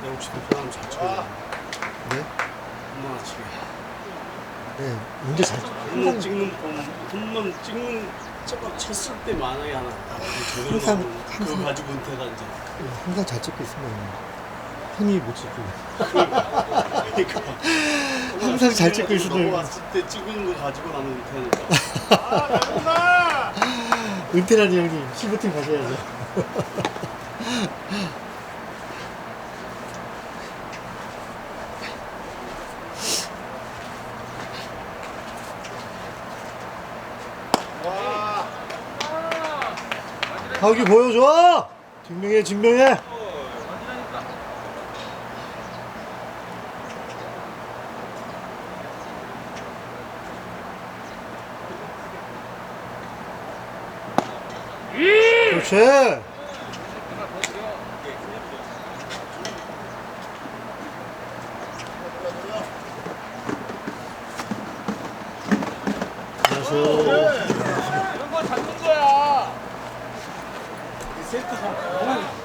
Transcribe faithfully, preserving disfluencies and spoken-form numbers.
혹시 불편하면 잘 쳐요. 네? 홈런 치게. 네, 문제 잘 홈런 찍는 폼, 홈런 찍는 저거 쳤을 때 만약에 하나 제대로 항상- 나오면 그거 항상- 가지고 은퇴가 이제. 항상 잘 찍고 있으면 형이 못 찍고 그러니까 항상 잘 찍고 있어도 넘어왔을 때 찍은 거 가지고 나는 은퇴하니까. 은퇴라니 형님 실버팀 가셔야죠. 가기 보여줘! 증명해 증명해! 그렇지! 안녕하세요. 이런 거 잡는 거야. 세트